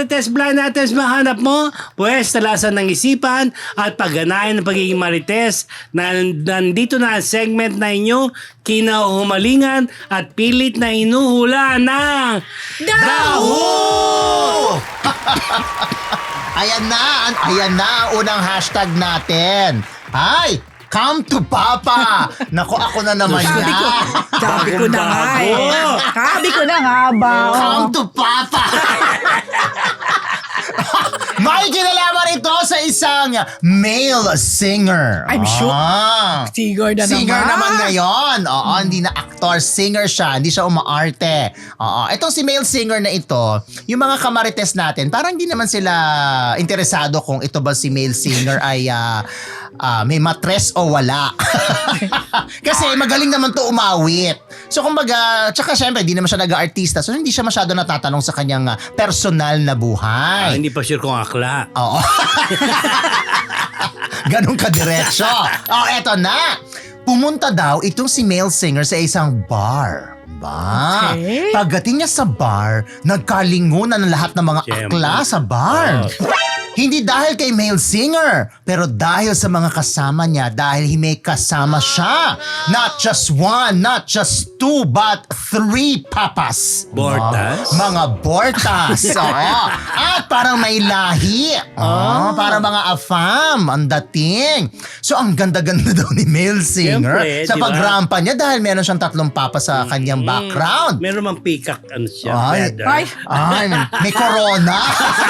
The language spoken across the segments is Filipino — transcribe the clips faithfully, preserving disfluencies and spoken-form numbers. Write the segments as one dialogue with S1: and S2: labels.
S1: marites blind items mahanap mo? Pwes, talasan ng isipan at pagganayan ng pagiging marites na nandito na ang segment na inyo kinahumalingan at pilit na inuhula ng
S2: Daho!
S3: Ayan na, an- ayan na ang unang hashtag natin. Ay, come to Papa! Naku, ako na naman
S2: Sabi ko,
S3: yan.
S2: sabi ko na nga eh.
S1: Bago.
S2: Sabi ko na nga ba?
S3: Come to Papa! May kinalaman ito sa isang male singer.
S2: I'm sure.
S3: Ah.
S2: Singer na
S3: Singer
S2: naman.
S3: naman ngayon. Oo, hindi na actor, singer siya. Hindi siya umaarte. Oo, itong si male singer na ito, yung mga kamarites natin, parang hindi naman sila interesado kung ito ba si male singer ay ah, ah, may matres o wala. Kasi magaling naman to umawit. So kumbaga, tsaka syempre, hindi naman siya nag-artista. So hindi siya masyado natatanong sa kanyang ah, personal na
S1: Ah,
S3: buhay.
S1: hindi pa sure kung akla.
S3: Oo. Ganon kadiretso. Oh, eto na. Pumunta daw itong si male singer sa isang bar. Ba?
S2: Okay.
S3: Pagdating niya sa bar, nagkalingunan ng lahat ng mga
S1: Siyempre.
S3: akla sa bar.
S1: Oh.
S3: Hindi dahil kay male singer, pero dahil sa mga kasama niya, dahil may kasama siya. Not just one, not just two, but three papas.
S1: Bortas?
S3: Mga, mga bortas. Oo. At parang may lahi. Oh, parang mga afam. Ang dating. So, ang ganda-ganda daw ni male singer
S1: Siyempre,
S3: sa
S1: di ba?
S3: pagrampa niya dahil meron siyang tatlong papa sa kanyang background.
S1: Meron mang peacock ano siya,
S3: Ay.
S1: feather.
S2: Ay.
S3: Ay, may corona.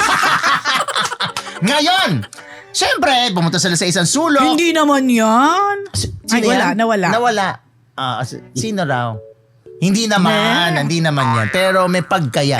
S3: Ngayon, syempre, pumunta sila sa isang sulok.
S2: Hindi naman yan. Ay,
S3: Sino
S2: wala,
S3: yan?
S2: nawala.
S3: Nawala. Ah, s- sino raw? Hindi naman,
S2: Ne.
S3: hindi naman yan. Pero may pagkayan.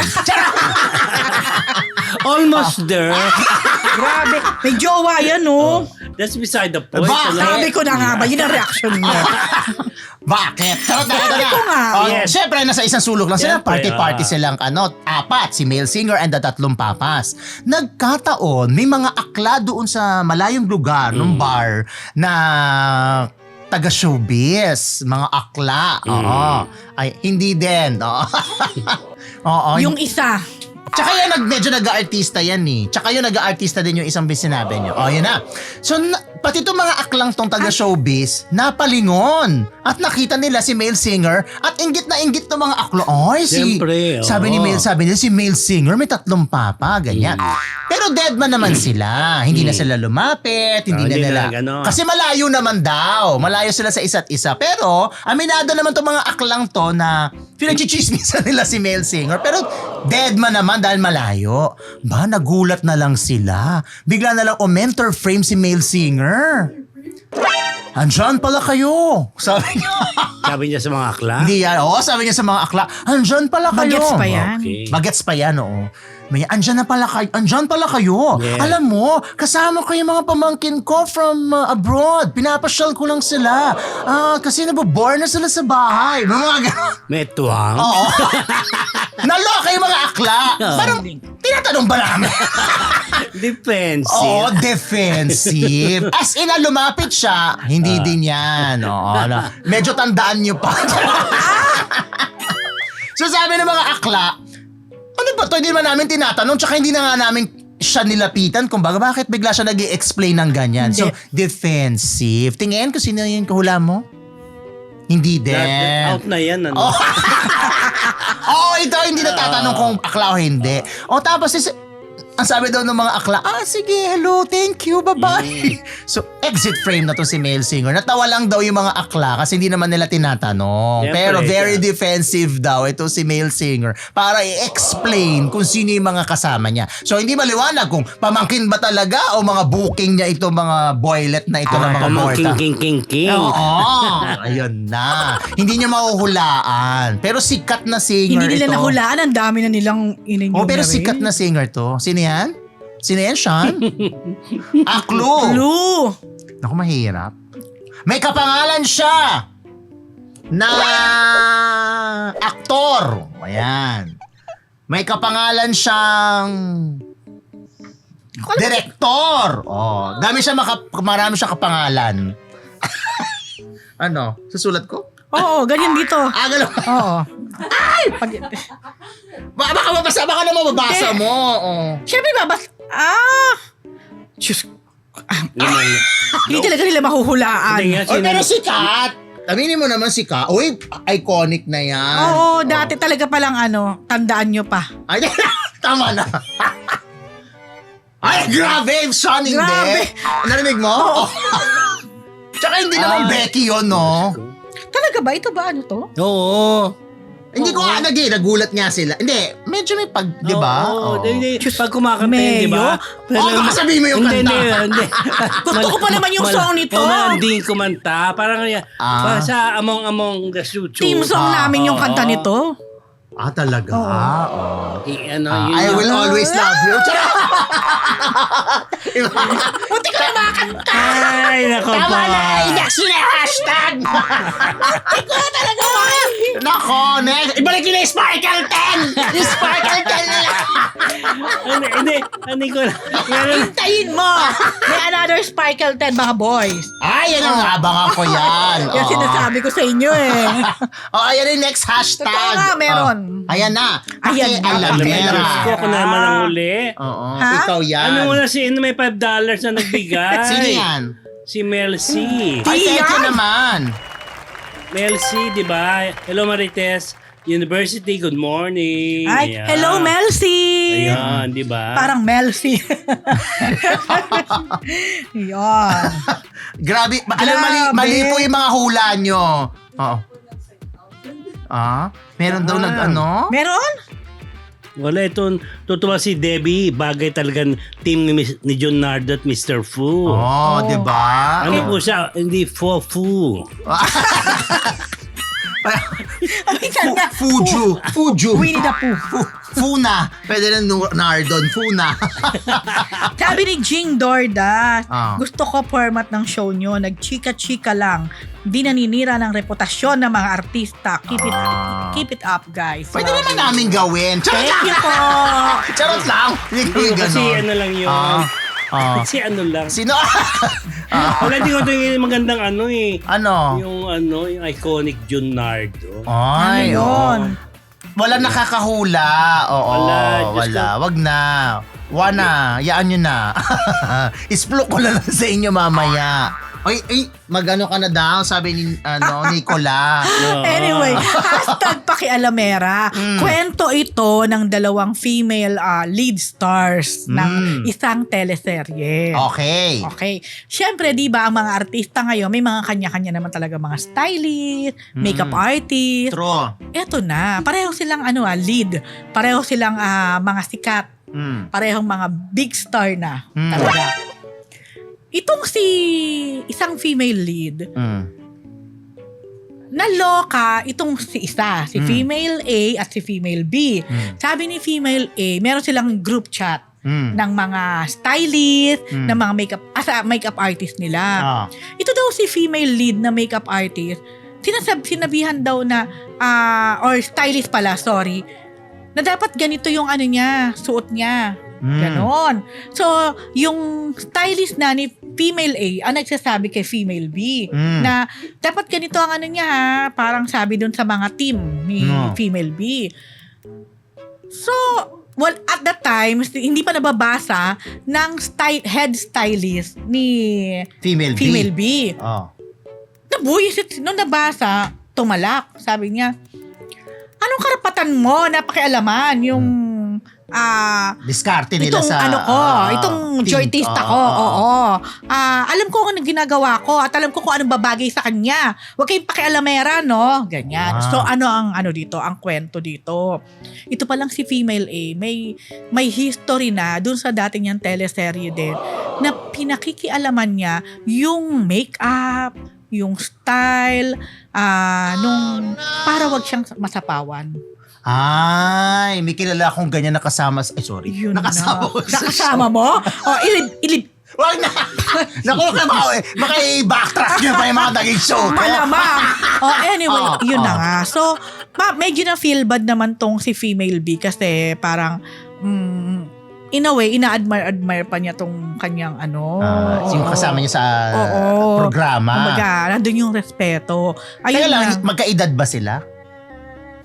S1: Almost there.
S2: Grabe. May jowa yan, oh.
S1: That's beside the point.
S3: Bakit?
S1: ano?
S2: Sabi ko na nga ba, yun ang reaction mo.
S3: Bakit? Charot na
S2: Sabi ko nga.
S3: Oh,
S1: Yes.
S3: Siyempre, nasa isang sulok lang sila.
S1: Siyempre,
S3: Party-party
S1: ah.
S3: silang ano, apat. Si male singer and the tatlong papas. Nagkataon, may mga akla doon sa malayong lugar ng
S1: Mm.
S3: bar na taga-showbiz. Mga akla. Oo. Ay, hindi din. Oo. Oo.
S2: Yung isa.
S3: Tsaka yan, nag, medyo nag-aartista yan eh. Tsaka yung nag-aartista din yung isang sinabi niyo. O, yun na. So, na, pati itong mga aklang tong taga-showbiz, napalingon. At nakita nila si male singer at inggit na inggit ng mga aklo. Ay, si...
S1: Siyempre,
S3: sabi ni
S1: oo.
S3: male, sabi nila, si male singer may tatlong papa, ganyan. Pero dead man naman sila. Hindi na sila lumapit, hindi
S1: Ah,
S3: na
S1: hindi
S3: nila.
S1: na ganon.
S3: Kasi malayo naman daw. Malayo sila sa isa't isa. Pero, aminado naman tong mga aklang to na pinagchichismisan nila si male singer. Pero, dead man naman dahil malayo. Ba, nagulat na lang sila. Bigla na lang, o mentor frame si male singer. Andyan pala kayo. Sabi niya.
S1: Sabi niya sa mga akla.
S3: Hindi yan. Oo, sabi niya sa mga akla. Andyan pala kayo.
S2: Bagets pa yan.
S1: Okay.
S3: Bagets pa yan, oo. May, andyan na pala kayo. Andyan pala kayo.
S1: Yeah.
S3: Alam mo, kasama ko yung mga pamangkin ko from uh, abroad. Pinapasyal ko lang sila. Ah, kasi nabobore na sila sa bahay. Mga gano'n.
S1: May tuwang.
S3: Oo. Naloka yung mga akla. Parang, tinatanong ba namin?
S1: Defensive.
S3: Oo, defensive. As in, ah, lumapit siya. Hindi din yan. Oo, ano. Medyo tandaan niyo pa. So sabi ng mga akla, ano ba to? Hindi naman namin tinatanong. Tsaka hindi na nga namin siya nilapitan. Kung baga, bakit bigla siya nag-i-explain ng ganyan? So,
S2: Hindi.
S3: defensive. Tingin ko sino yung kahula mo? Hindi din.
S1: That- out na yan. Ano?
S3: Oh. Oo, ito hindi natatanong kung akla o hindi. O tapos, is, ang sabi daw ng mga akla, ah sige, hello, thank you, bye-bye. So, exit frame na to si male singer. Natawa lang daw yung mga akla kasi hindi naman nila tinatanong.
S1: Siyempre,
S3: Pero very
S1: siya.
S3: defensive daw ito si male singer para i-explain kung sino yung mga kasama niya. So, hindi maliwanag kung pamangkin ba talaga o mga booking niya ito, mga boylet na ito ng mga
S1: Pamangking
S3: morta.
S1: king king king.
S3: Oo, ayun na. Hindi niya mahuhulaan. Pero sikat na singer
S2: Hindi nila
S3: ito.
S2: nahulaan. Ang dami na nilang ininyo.
S3: Oh, pero sikat na singer to. Sino yan? Sino yan, Sean? Aklo.
S2: Lu.
S3: Naku, mahirap. May kapangalan siya na aktor. Ayan. May kapangalan siyang direktor. Oh, dami siya maka, marami siya kapangalan. Ano? Susulat ko?
S2: Oo, ganyan dito.
S3: Ah, gano'n.
S2: Oo.
S3: Ay!
S2: Pag,
S3: Ba- baka mabasa, baka na mababasa mo. Oh.
S2: Siyempre, babas... Ah! Diyos.
S1: Naman.
S2: Hindi talaga nila mahuhulaan.
S1: Hindi nga,
S3: Oh,
S1: sino-
S3: pero sikat. Aminin mo naman si Ka. Uy, iconic na yan.
S2: Oo, dati talaga palang ano, tandaan nyo pa.
S3: Ay, tama na. Ay, grabe. Sean, hindi.
S2: Grabe.
S3: Narinig mo? Oo. Tsaka hindi naman
S1: Ay.
S3: Becky yun, no?
S2: Talaga ba? Ito ba ano to?
S1: Oo.
S3: Hindi ko nga nag nagulat nga sila. Hindi, medyo may pag, di ba?
S1: Oo.
S3: Oo.
S1: Hindi,
S2: Diyos,
S1: pag kumakanta yun, di ba?
S2: Mayo?
S3: Oo, baka sabihin mo yung
S1: hindi,
S3: kanta.
S1: Hindi, hindi.
S2: Gusto ko pa naman yung song nito.
S1: Malanding kumanta. Parang yan.
S3: Ah.
S1: Parang sa among-among the chuchu.
S2: Team song
S3: Ah,
S2: namin yung
S1: oo.
S2: kanta nito.
S3: Ah, talaga?
S2: Oo.
S3: Ah, oo.
S1: I, ano,
S3: Ah,
S1: yun
S3: I
S1: yung-
S3: will always love you. Charot!
S2: Buti ka na makakanta.
S1: Ay, nako
S3: Tama
S1: pa.
S3: na! I-next yun yung hashtag!
S2: Ikaw talaga ba?
S3: Nako, next! Ibalik nyo na yung Sparkle ten! Yung Sparkle ten nila!
S1: Hindi, hindi. Hindi ko na. Meron.
S2: Hintayin mo. May another Sparkle ten, mga boys.
S3: Ay, yan ang abangan ko yan.
S2: Yan
S3: Oo.
S2: sinasabi ko sa inyo eh.
S3: Oh, ayan yung next hashtag.
S2: Totoo nga, meron.
S3: Oh, ayan na.
S2: Ayan na.
S3: Pakialamera.
S1: Diyos ko, ako na naman ang uli.
S3: Oo,
S2: Ha?
S3: ikaw yan.
S1: Ano mo na si Ino may five dollars na nagbigay?
S3: Sino yan?
S1: Si Mel C.
S3: Ay, thank you
S2: Yan.
S3: naman.
S1: Mel C, di ba? Hello Marites. University, good morning.
S2: Ay,
S1: Ayan.
S2: hello Melcy.
S1: Ayan, di ba?
S2: Parang Melcy. Yan.
S3: Grabe. ma- Alam, mali,
S2: Grabe.
S3: mali po yung mga hula nyo. Oo. Ah? Meron daw
S1: Ah.
S3: nag ano?
S2: Meron?
S1: Wala itong tutuwa si Debbie. Bagay talagang team ni, Miss- ni John Nardo at mister Fu.
S3: Oh, di ba?
S1: Ano po siya? Hindi Fo Fu.
S2: Minsan nga.
S3: Fuju. Fuju.
S2: Winnie the Pooh.
S3: Fu- Funa. Pwede na nu- Nardon. Funa.
S2: Sabi ni Jing Dorda,
S3: Ah.
S2: gusto ko format ng show nyo, nagchika-chika lang. Di naninira ng reputasyon ng mga artista. Keep it
S3: Ah.
S2: keep it up, guys.
S3: Pwede
S2: Love
S3: naman
S2: you.
S3: namin gawin. Charot
S2: Thank you
S3: lang.
S2: po.
S3: Charot lang. Hindi ko yung
S1: Kasi
S3: ganon.
S1: ano lang yun.
S3: Ah. Ah.
S1: Kasi ano lang.
S3: Sino? Ah.
S1: Wala, hindi ko ito yung magandang ano eh.
S3: Ano?
S1: Yung ano, yung iconic John Nardo.
S3: Ay,
S2: Ano yun?
S3: oo. Wala nakakahula. Oo,
S1: Wala,
S3: wala.
S1: Diyos ko.
S3: Wag na. Wana, yaan nyo na. Isplok ko na lang sa inyo mamaya. Ay, ay, magano ka na daw, sabi ni ano, Nicola.
S1: Oo.
S2: Anyway, hashtag pakialamera.
S3: Mm.
S2: Kwento ito ng dalawang female ah, lead stars ng
S3: Mm.
S2: isang teleserye.
S3: Okay.
S2: Okay. Siyempre, di ba, ang mga artista ngayon, may mga kanya-kanya naman talaga mga stylist, makeup
S3: Mm.
S2: artist.
S3: True.
S2: Eto na, pareho silang ano ah, lead. Pareho silang ah, mga sikat.
S3: Mm.
S2: Parehong mga big star na
S3: Mm.
S2: talaga. Itong si isang female lead,
S3: Mm.
S2: naloka itong si isa, si
S3: Mm.
S2: female A at si female B.
S3: Mm.
S2: Sabi ni female A, meron silang group chat
S3: Mm.
S2: ng mga stylist,
S3: Mm.
S2: ng mga makeup, as a makeup artist nila.
S3: Ah.
S2: Ito daw si female lead na makeup artist, sinasab, sinabihan daw na, ah, or stylist pala, sorry, na dapat ganito yung ano niya, suot niya.
S3: Mm.
S2: Ganon. So, yung stylist na ni female A ang nagsasabi kay female B
S3: Mm.
S2: na dapat ganito ang ano niya ha, parang sabi dun sa mga team ni
S3: No.
S2: female B. So, well, at that time, hindi pa nababasa ng sty- head stylist ni
S3: Female B.
S2: female B.
S3: Oh.
S2: Nabuyisit, nung nabasa, tumalak. Sabi niya, anong karapatan mo na pakialaman yung ah
S3: Diskarte nila
S2: itong
S3: sa...
S2: ano ko,
S3: ah,
S2: itong
S3: team.
S2: joytista
S3: Ah,
S2: ko,
S3: ah, ah.
S2: oo. Ah, alam ko kung ano ginagawa ko at alam ko kung anong babagay sa kanya. Huwag kayong pakialamera, no? Ganyan.
S3: Ah.
S2: So, ano ang ano dito, ang kwento dito. Ito pa lang si female A, may may history na dun sa dati niyang teleserye din na pinakikialaman niya yung makeup, yung style, ah, nung para wag siyang masapawan.
S3: Ay, may kilala akong ganyan nakasama. Ay, sorry.
S2: Yun
S3: nakasama
S2: na.
S3: ko sa
S2: Nakasama mo? O, ilib, ilib,
S3: Wag na! Naku, kaya eh. Maka-backtrack nyo pa yung mga naging show ko.
S2: malamang. Oh, anyway,
S3: Oh,
S2: yun na
S3: oh.
S2: nga. So, ma- medyo na feel bad naman tong si female B kasi parang mm, in a way, ina-admire-admire pa niya tong kanyang ano.
S3: Ah, yung kasama niya sa
S2: Oo.
S3: programa.
S2: Kumbaga, nandun yung respeto. Ayun
S3: Kaya lang,
S2: na.
S3: magkaedad ba sila?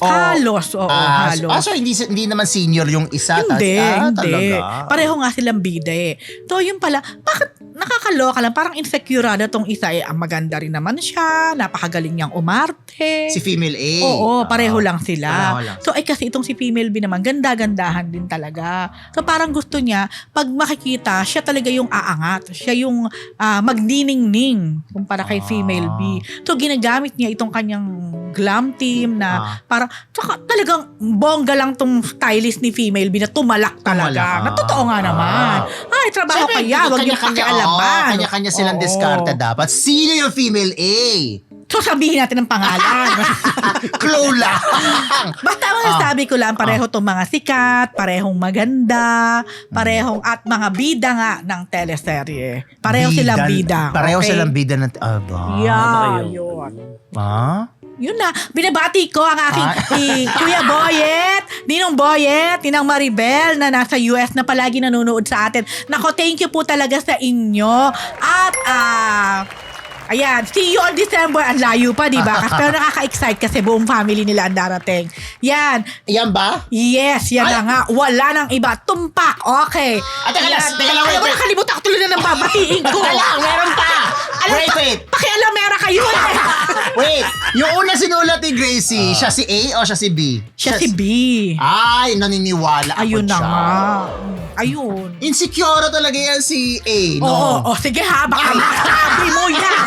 S3: Oh,
S2: Halos, oo,
S3: ah,
S2: halos.
S3: Ah, so hindi, hindi naman senior yung isa?
S2: Hindi,
S3: tas, ah,
S2: hindi.
S3: Talaga.
S2: Pareho nga silang bida eh. So, yun pala, bakit nakakaloka lang? Parang insecurada tong isa eh. Ang maganda rin naman siya, napakagaling niyang umarte.
S3: Si female A.
S2: Oo, pareho
S3: Ah.
S2: lang sila.
S3: Pareho lang.
S2: So, ay kasi itong si female B naman, ganda-gandahan din talaga. So, parang gusto niya, pag makikita, siya talaga yung aangat. Siya yung ah, magniningning kumpara kay
S3: Ah.
S2: female B. So, ginagamit niya itong kanyang glam team na
S3: Ah.
S2: parang, tsaka talagang bongga lang tong stylist ni female B na tumalak talaga.
S3: Tumalak.
S2: Na totoo nga naman. Ay, trabaho
S3: Siyempre,
S2: kaya, wag niyo
S3: kanya-kanya-
S2: pakialaman.
S3: oo, kanya-kanya silang
S2: Oo.
S3: diskarte dapat. Sino yung female A?
S2: So, sabihin natin ang pangalan.
S3: Clue lang.
S2: Basta ang sabi ko lang, pareho tong mga sikat, parehong maganda, parehong at mga bida nga ng teleserye. Pareho
S3: Bida-
S2: silang bida.
S3: Pareho
S2: okay?
S3: silang bida ng... Aba.
S2: Yeah,
S1: kayo?
S2: yun.
S3: Ah?
S2: Yun na, binabati ko ang aking
S3: Ah.
S2: si Kuya Boyet, Ninong Boyet, Ninang Maribel na nasa U S na palagi nanonood sa atin. Nako, thank you po talaga sa inyo. At, ah... ayan, see you on December. Ang layo pa, di ba? Kasi pero nakaka-excite kasi buong family nila ang darating. Yan.
S3: Yan ba?
S2: Yes, yan
S3: Ay!
S2: na nga. Wala nang iba. Tumpak. Okay.
S3: Ah, teka lang,
S2: Yan.
S3: teka lang, wait,
S2: Alam mo,
S3: wait.
S2: nakalimutan ko tuloy na ng babatiin ko.
S3: Teka lang, meron pa!
S2: Alam,
S3: Wait, wait.
S2: Pakialamera kayo eh.
S3: Wait, yung una sinulat ni Gracie, siya si A o siya si B?
S2: Siya si B.
S3: Ay, naniniwala ako
S2: Ayun na
S3: siya.
S2: nga. Ayun.
S3: Insecure talaga yan si A, no?
S2: Oo, oh, sige ha, baka masabi mo yan.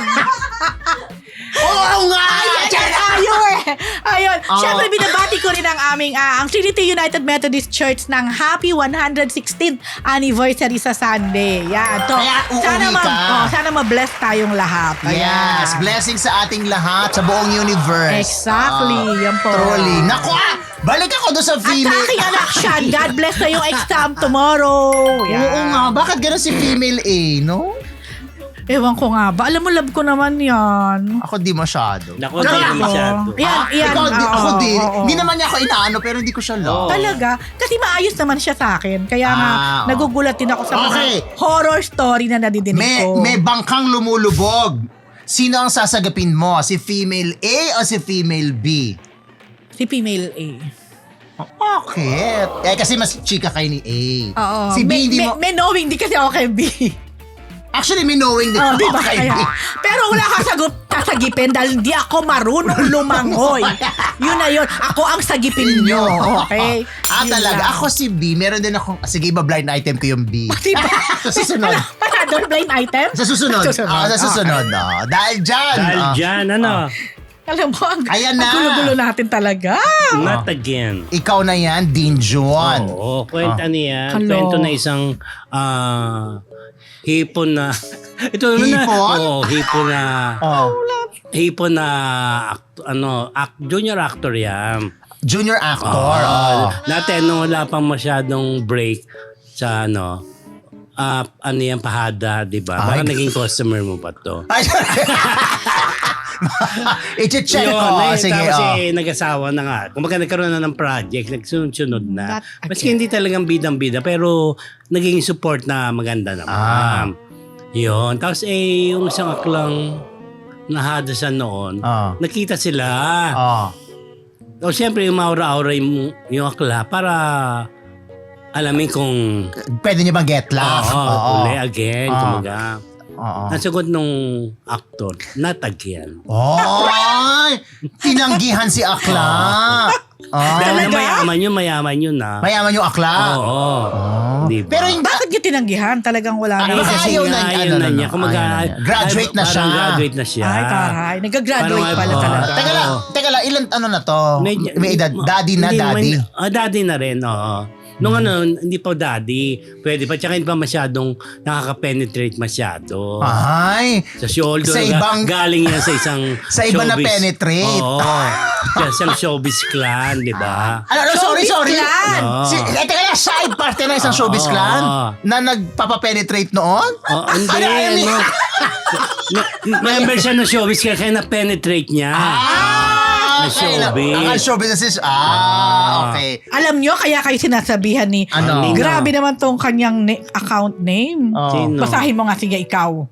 S3: Oo nga!
S2: Ayan,
S3: Diyan na!
S2: tayo eh. Ayun.
S3: Oo.
S2: Siyempre, binabati ko rin ang aming, ah, ang Trinity United Methodist Church ng happy one hundred sixteenth anniversary sa Sunday. Yan. So,
S3: Kaya uuwi
S2: sana, ma-
S3: ka.
S2: oh, sana ma-bless tayong lahat. Ayan.
S3: Yes, blessing sa ating lahat, sa buong universe.
S2: Exactly,
S3: Ah,
S2: yan po.
S3: Truly. Naku ah! Balik ako doon sa
S2: At sa
S3: female.
S2: aking anak siya, God bless na yung exam tomorrow. Yan.
S3: Oo nga, bakit gano'n si female A, no?
S2: Ewan ko nga ba. Alam mo, love ko naman yan.
S3: Ako di masyado.
S1: Naku, hindi
S2: Ako.
S1: na masyado.
S2: Yan,
S3: Ah,
S2: yan.
S3: ikaw, di,
S2: Oo,
S3: ako din.
S2: oo, oo.
S3: Hindi naman niya ako inaano, pero hindi ko siya love.
S2: Talaga? Kasi maayos naman siya sa akin. Kaya nga,
S3: Ah, oo.
S2: nagugulat din ako sa mga
S3: Okay.
S2: horror story na nadidinig
S3: May,
S2: ko.
S3: may bangkang lumulubog. Sino ang sasagapin mo? Si female A o si female B?
S2: Si female A.
S3: Bakit? Eh, kasi mas chika kayo ni A.
S2: Oo.
S3: Si B
S2: may,
S3: hindi
S2: may,
S3: mo...
S2: may knowing di kasi ako kay B.
S3: Actually, may knowing din
S2: Oh, di
S3: ako
S2: ba?
S3: kay
S2: Kaya,
S3: B.
S2: pero wala kang sagot sasagipin dahil hindi ako marunong lumangoy. Yun na yun. Ako ang sagipin nyo. Okay?
S3: Ah,
S2: Yun
S3: talaga.
S2: lang.
S3: Ako si B. Meron din ako... Sige, iba blind item ko yung B.
S2: Diba?
S3: Sa susunod.
S2: Panadol blind item?
S3: Sa susunod.
S2: Susunod.
S3: Ah, sa susunod. ah. Dahil dyan.
S1: Dahil
S3: ah,
S1: dyan, ano?
S2: Alam mo, ang,
S3: Ayan na.
S2: ang gulo-gulo natin talaga.
S1: Not again.
S3: Ikaw na yan, Dean Juan.
S1: Oo, kwenta niya.
S2: Hello.
S1: Kwento na isang ah, hipon na... Ito naman na.
S3: Hipon?
S1: Oo, hipon na...
S3: Oh.
S1: Hipon na... act- ano, act, junior actor yan.
S3: Junior actor.
S1: Oo.
S3: Oh.
S1: Dati, nung wala pang masyadong break sa ano... ah ano yan, pahada, di ba?
S3: Ay.
S1: Baka naging customer mo pa to.
S3: Ay, I-check
S1: Yun,
S3: ko.
S1: eh,
S3: Sige,
S1: tapos
S3: oh.
S1: eh, nag-asawa na nga. Kumbaga nagkaroon na ng project, nagsunod-sunod na.
S2: That
S1: Maski hindi talagang bidang-bida, pero naging support na maganda naman.
S3: Ah.
S1: Yun. Tapos eh, yung isang aklang nahadasan noon,
S3: Ah.
S1: nakita sila.
S3: Oh.
S1: O siyempre, yung maura-aura yung, yung akla para alamin kung
S3: Pwede niyo bang get laugh?
S1: oo, uli again,
S3: Ah.
S1: kumaga.
S3: Oo.
S1: Ang sagot nung aktor, not again.
S3: Oy! Tinanggihan si Akla. Oh.
S1: Dahil na
S2: Talaga?
S1: mayaman yun, mayaman yun na.
S3: Mayaman yung Akla.
S1: Oo.
S3: Oh.
S1: Di ba?
S3: Pero hindi.
S2: Bakit niya tinanggihan? Talagang wala
S3: Ah,
S2: na.
S3: baka
S1: kasi
S3: ayaw
S1: nga,
S3: na-
S1: ayaw
S3: ano
S1: na
S3: na,
S1: niya.
S3: no?
S1: Kumaga,
S3: Ayaw na niya. Graduate na
S1: parang
S3: siya.
S1: graduate na siya.
S2: Ay, taray. Nag-graduate
S1: Parang,
S2: pala
S1: oo.
S2: talaga.
S3: Teka lang, teka lang, ilan ano na to? May, edad, daddy na,
S1: Hindi
S3: daddy.
S1: naman- ah, daddy na rin, oo. Nung ano, hindi pa daddy. Pwede pa. Tsaka hindi pa masyadong nakaka-penetrate masyado.
S3: Ay,
S1: Sa shoulder.
S3: Sa
S1: ga-
S3: ibang-
S1: galing yan sa isang
S3: Sa iba na
S1: showbiz.
S3: penetrate.
S1: Oo. Sa isang showbiz clan, di ba?
S3: ano, ano, sorry,
S2: Showbiz
S3: sorry.
S2: clan!
S1: Oo.
S3: Si, eh, teka lang, side party na isang
S1: Oo.
S3: showbiz clan na nagpapapenetrate noon?
S1: Oh, hindi,
S3: Ano, ano,
S1: ano. Me- member siya ng showbiz kaya, kaya na-penetrate niya.
S3: Ah,
S1: Na showbiz.
S3: Ang showbiz na sis. Ah, okay.
S2: Alam nyo, kaya kayo sinasabihan ni...
S3: Ano?
S1: Nino.
S2: Grabe naman tong kanyang na- account name.
S3: Oh.
S1: Sino?
S2: Basahin mo nga, sige, ikaw.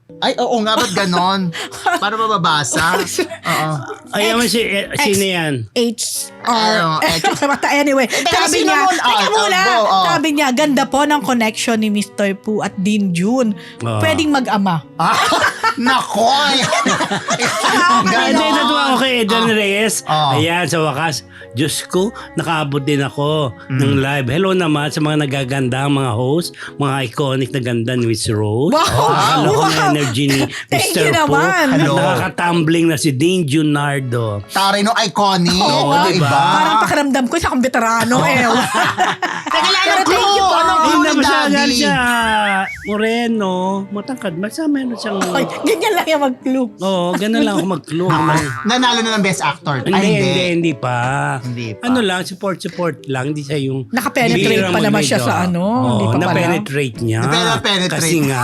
S3: Ay, oo nga, ba't ganon? Para mababasa. Oo.
S1: Ayaw mo si, eh, sino yan?
S2: H
S3: Ano,
S2: R.
S3: H-
S2: Anyway,
S3: Pero
S2: sabi
S3: sino
S2: niya,
S3: mo- ah,
S2: teka muna,
S3: ah, go, oh.
S2: sabi niya, ganda po ng connection ni Mister Pu at Dean June.
S1: Oh.
S2: Pwedeng mag-ama.
S3: Ah, nakoy!
S1: Hindi, natuwa ako kay Eden Reyes.
S3: Oh.
S1: Ayan, sa wakas. Diyos ko, nakaabot din ako ng live. Hello naman sa mga nagagandang mga host, mga iconic na ganda ni Miss Rose.
S2: Wow!
S1: Akala ko
S2: Wow!
S1: ng energy ni
S2: Thank
S1: Mister
S2: you
S1: Po.
S2: naman.
S1: At
S3: Hello.
S1: nakakatumbling na si Dean Junardo.
S3: Taray no, iconic.
S1: Oo,
S3: Oh,
S1: diba?
S2: Parang pakiramdam ko isa akong veterano eh.
S3: Teka lang,
S2: Pero
S3: anong
S2: thank you
S3: clue?
S2: po.
S3: Anong
S1: Hindi
S3: clue
S1: na
S3: ni
S1: masyadong
S3: Daddy?
S1: siya moreno, matangkad. Basta meron siyang...
S2: Ay, ganyan lang yung mag-clue.
S1: Oo, ganun lang ako mag-clue.
S3: Nanalo na ng best actor.
S1: Hindi,
S3: Ay,
S1: hindi, hindi pa.
S3: Hindi pa.
S1: Ano lang, support-support lang. Hindi siya yung...
S2: Nakapenetrate
S1: bihirang
S2: pa naman
S1: mag-medyo.
S2: siya sa ano,
S1: Oo,
S2: hindi pa pala.
S1: na-penetrate niya.
S3: Na-penetrate.
S1: Kasi nga.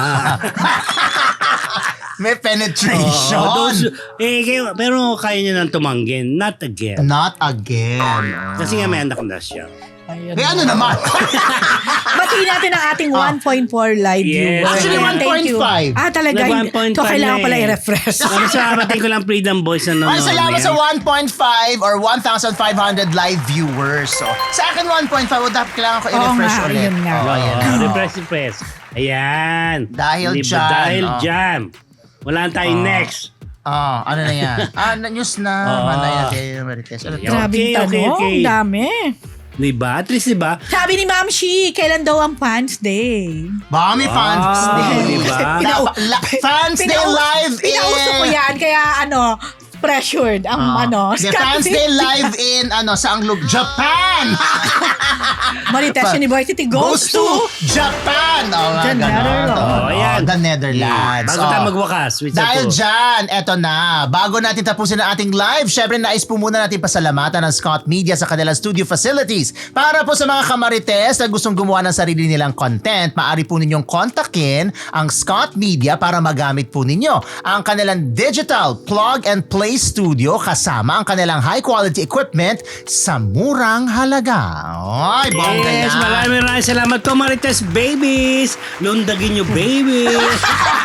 S3: May penetration.
S1: Oo, those, eh, kayo, pero kaya niya nang tumanggin. Not again.
S3: Not again.
S1: Kasi nga may anak na siya.
S2: Ayun.
S3: Eh, ano naman?
S2: Batiin natin ang ating one point four live
S1: Yes.
S2: viewers.
S1: Actually,
S2: Ayan,
S3: one
S2: thank
S3: point
S2: you.
S3: five.
S2: Ah, talaga.
S1: Nag
S2: Hindi.
S1: one point
S2: So,
S1: five
S2: kailangan
S1: na
S2: pala
S1: eh.
S2: i-refresh.
S1: Ano sa kapatid ko lang Freedom Boys na nanonood.
S3: Ay, salamat
S1: yan.
S3: sa one point five or one thousand five hundred live viewers. So, sa akin one point five, o dapat kailangan ko i-refresh
S2: nga,
S3: ulit.
S2: yun nga.
S3: Oo, ayan.
S1: Oo, refresh, refresh. Ayan.
S3: Dahil
S1: Di ba?
S3: dyan,
S1: Dahil
S3: oh.
S1: dyan. Wala na tayong
S3: Oh.
S1: next.
S3: Oh, ano na yan? Ah, na- news na.
S1: Oo.
S3: Manay natin. Marites. Ano to?
S1: Yeah.
S2: Grabing
S1: Okay, okay,
S2: tanong.
S1: okay.
S2: Ang dami.
S1: Di ba? At least, di ba?
S2: Sabi ni Ma'am Shi, kailan daw ang fans day?
S3: Baka may fans
S1: Wow,
S3: day.
S1: di ba?
S3: Dapat- la- Fans day
S2: Pinaus-
S3: live in...
S2: Pinauso ko yan, kaya ano, pressured ang
S3: Ah.
S2: ano.
S3: The Fans Day live in ano sa ang Japan.
S2: Marites University goes, to
S3: Japan. Oh,
S2: The
S3: ganon.
S2: Netherlands.
S1: Oh, ayan.
S3: the Netherlands.
S1: Bago
S3: Oh.
S1: tayo magwakas. Which
S3: Dahil
S1: ako.
S3: dyan, eto na. Bago natin tapusin ang ating live, syempre nais po muna natin pasalamatan ng Scott Media sa kanilang studio facilities. Para po sa mga kamarites na gustong gumawa ng sarili nilang content, maaari po ninyong kontakin ang Scott Media para magamit po ninyo ang kanilang digital plug and play studio kasama ang kanilang high quality equipment sa murang halaga. Ay, bongga
S1: Yes,
S3: yan.
S1: maraming maraming salamat po Marites Babies. Lundagin nyo babies.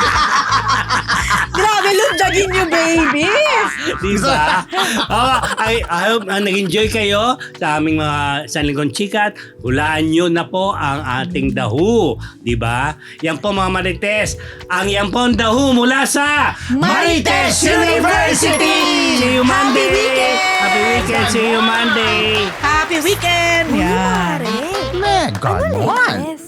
S2: Grabe, lundagin niyo, baby!
S1: Di ba? Oh, I, I hope uh, nag-enjoy kayo sa aming mga Sanlingon Chikat. Hulaan nyo na po ang ating dahu. Di ba? Yan po mga Marites. Ang yan po ang dahu mula sa
S2: Marites University!
S1: See you Monday!
S2: Happy weekend!
S1: Happy weekend! See you Monday!
S2: Happy weekend! Yan.
S3: Man, God,
S4: Ano,
S3: man.
S4: Marites?